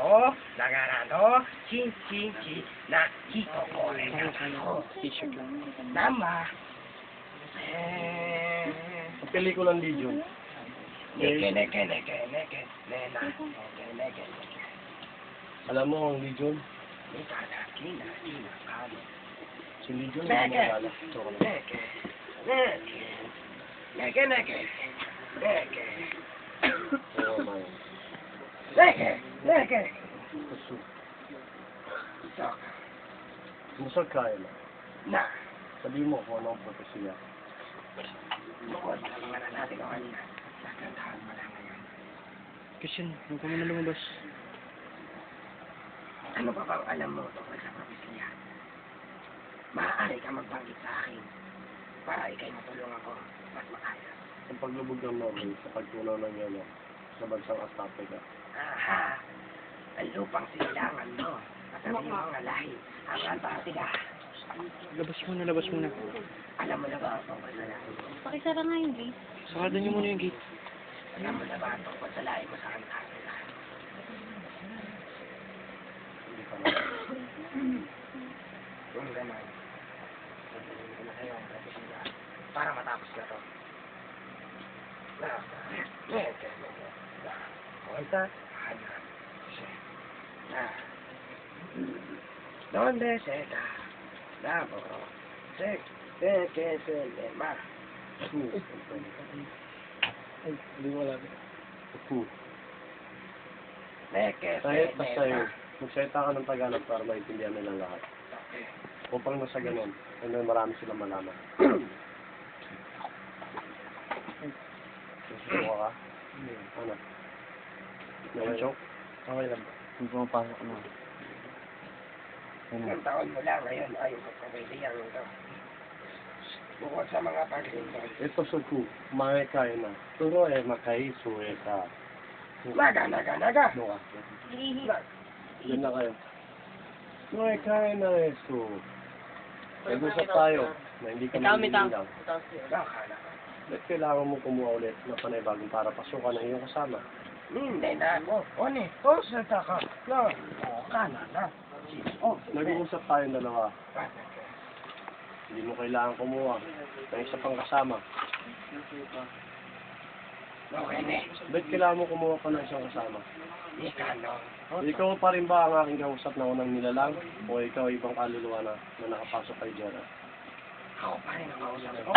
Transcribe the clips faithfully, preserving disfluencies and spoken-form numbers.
ko, nagarano, chin chin chin, na hito ko rin ako. T-shirt lang. Nama. Eh, Ang pelikulang Legion. neke, neke, neke, neke, nena, neke, neke, neke. Alam mo ang Legion? Ika na, kina, kina, kano. Si Legion Neke. ang nalala. Joke lang. Neke, neke, neke, neke, neke, Oo, man. neke, neke. Puso. Sok, Musog kaya na. na. Sabi mo kung ano ang propesya. Bukod sa mga natin o kanina, nakantahan mo lang ngayon. Christian, huwag ka muna lumabas. Ano ba bang alam mo tungkol sa propesya? Maaari ka magbanggit sa akin para ikay matulungan ko at maayos. Ang paglubog ng Norway sa pagtunaw ng yelo sa bansang Antarctica. Aha! Ang lupang silangan mo at ang iyong mga lahi ang Antarctica. Labas muna, labas muna. Alam mo na ba ang tungkol sa lahi? Pakisara nga yung gate. Sarado niyo muna yung gate. Alam mo na ba ang tungkol sa lahi mo sa Antarctica? Hindi pa na. Kung gano'n, sabihin ko na sa'yo ang propesya para matapos na to. Na, nete, nete, na, kuwenta, hana, siya, na, donde se da, na, bro, se, se, que se le ma, Ay, hindi mo alam. Puso. ne, que se Kahit le pa sa'yo, ma. magsalita ka ng Tagalog para maintindihan nila lahat. Okay. Upang nasa ganun, ay may marami silang malaman. Nasusuka ka? Ano? Nag-joke? Okay lang. Hindi ko mapasok na. Ano? Ilang taon mo lang ngayon ayon sa pamilya ito. Bukod sa mga paglingkod. Ito suku, makikaya na. Turo eh, makai, suwe ka. Naga, naga, naga. Ano ka? Hihi. Yan na kayo. Makikaya na eh, so. Nag-usap tayo na hindi ka manililaw. Baka na. Ba't kailangan mo kumuha ulit na panibagong para pasukan ng iyong kasama? Hindi na ako. Oni, o sa taka. No, o kana na. O, Nag-uusap tayong dalawa. Hindi mo kailangan kumuha ng isa pang kasama. okay ne. Ba't kailangan mo kumuha pa ng isang kasama? Ika no. Ikaw pa rin ba ang aking kausap na unang nilalang? O ikaw ibang kaluluwa na, na nakapasok kay Jera? Ako pa rin ang kausap ko.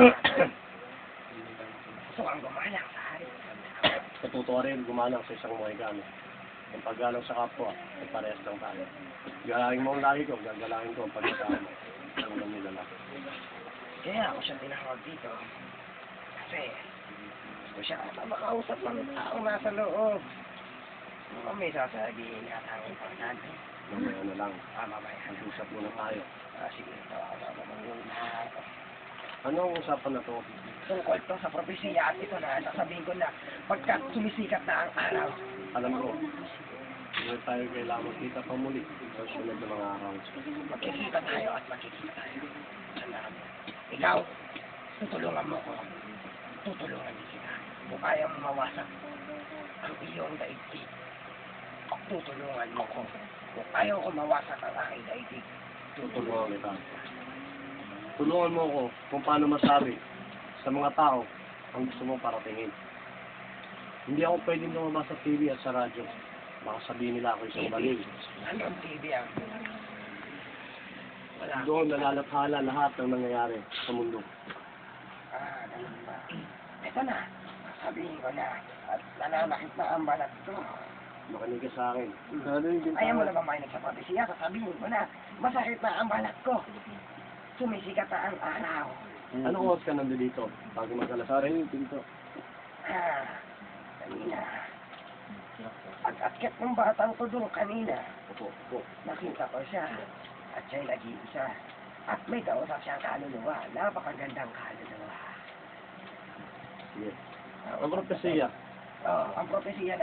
Gusto kang gumalang sa hari. Natuto ka rin gumalang sa isang Mohicano. Ang paggalang sa kapwa, ay parehas lang tayo. Galangin mo ang lagi ko, gagalangin ko ang pagkakama ng unang nilalang. Kaya ako siya tinawag dito. Kasi, gusto siya na makausap ng taong nasa loob. Kung may sasabihin na taong importante. Mamaya na lang, Ah, mamaya. mag-usap muna tayo. Ah, sige, ito ako na muna. Ano ang usapan na to? Tungkol to sa propesya at ito na sasabihin ko na pagkat sumisikat na ang araw. Alam ko, hindi tayo kailangan magkita pa muli sa sunod na mga araw. Magkikita tayo at magkikita tayo. Salamat. Ikaw, tutulungan mo ko. Tutulungan din kita. Kung ayaw mo mawasak ang iyong daigdig, tutulungan mo ko. Kung ayaw ko mawasak ang aking daigdig, Tutulungan kita. Tulungan mo ako kung paano masabi sa mga tao ang gusto mong paratingin. Hindi ako pwedeng lumabas sa T V at sa radyo. Baka sabihin nila ako isang baliw. Anong T V ang? Wala. Doon nalalathala lahat ng nangyayari sa mundo. Ah, ganun ba? Ito na. Sabihin ko na. At nananakit na ang balat ko. Makinig ka sa akin. Ayaw mo na ba mainig sa propesya? Sasabihin ko na. Masakit na ang balat ko. Sumisikat na ang araw. Ano oras ka nandito? Bago mag-alasarin yung pinto. Ah, kanina. Pag-akyat ng batang ko doon kanina, Opo, opo. nakita ko siya. At siya'y nag-iisa. At may kausap siyang kaluluwa. Napakagandang kaluluwa. Sige. Ang propesya, Oh, ang propesya na